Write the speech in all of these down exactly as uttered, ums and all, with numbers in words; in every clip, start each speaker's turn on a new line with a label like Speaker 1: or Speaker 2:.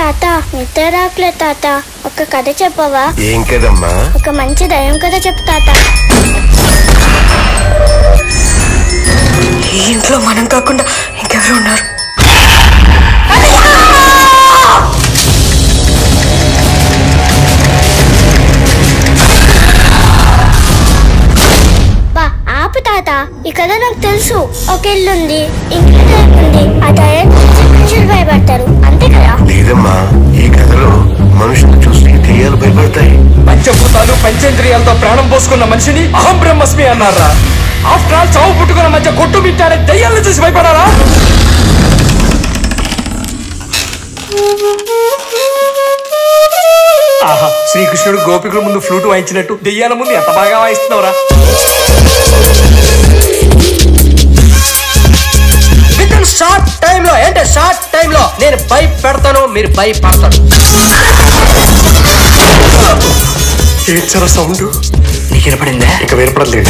Speaker 1: తాత నిద్ర రాట్లే తాత ఒక కథ చెప్పవా?
Speaker 2: ఏం కదమ్మా?
Speaker 1: ఒక మంచి దయ్యం కథ చెప్పు తాత.
Speaker 3: ఈ ఇంట్లో మనం కాకుండా ఇంకెవరు ఉన్నారు?
Speaker 1: బా ఆపు తాత, ఈ కథ నాకు తెలుసు. ఒక ఇల్లుంది, ఇంట్లో దయ్యం ఉంది. ఆ దయ్యం చూసి మనుషులు భయపడతారు, అంతే కదా?
Speaker 2: లేదమ్మా, ఈ కథలో మనుషులు చూసి దెయ్యాలు భయపడతాయి.
Speaker 4: పంచభూతాలు పంచేంద్రియాలతో ప్రాణం పోసుకున్న మనిషిని అహం బ్రహ్మస్మి అన్నారా? ఆఫ్టర్ ఆల్ చావు పుట్టుకున్న మధ్య కొట్టు బిట్టారే దయ్యాలను చూసి భయపడారా? ఆహా, శ్రీకృష్ణుడు గోపికుల ముందు ఫ్లూట్ వాయించినట్టు దెయ్యాల ముందు ఎంత బాగా వాయిస్తున్నావురా?
Speaker 3: విత్ ఇన్ షార్ట్ టైమ్ లో అంటే షార్ట్ టైమ్ లో నేను భయపెడతాను, మీరు భయపడతాను.
Speaker 2: ఏడ్చారా సౌండ్?
Speaker 3: నీకు వినపడిందా?
Speaker 2: ఇక వినపడలేదు.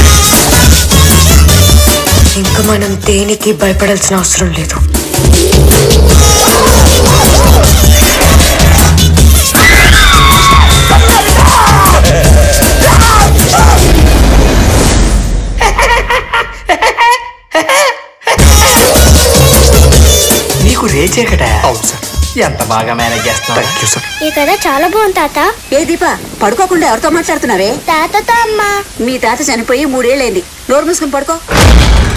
Speaker 3: ఇంకా మనం దేనికి భయపడాల్సిన అవసరం లేదు.
Speaker 4: నీకు రేచే కదా? అవును సార్. ఎంత బాగా మేనేజ్ చేస్తున్నా.
Speaker 2: Thank you sir.
Speaker 1: ఈ కథ చాలా బాగుంది తాత.
Speaker 5: ఏ దీప, పడుకోకుండా ఎవరితో మాట్లాడుతున్నావే?
Speaker 1: తాతతో అమ్మా.
Speaker 5: మీ తాత చనిపోయి మూడేళ్ళైంది. నోరు మూసుకుని పడుకో.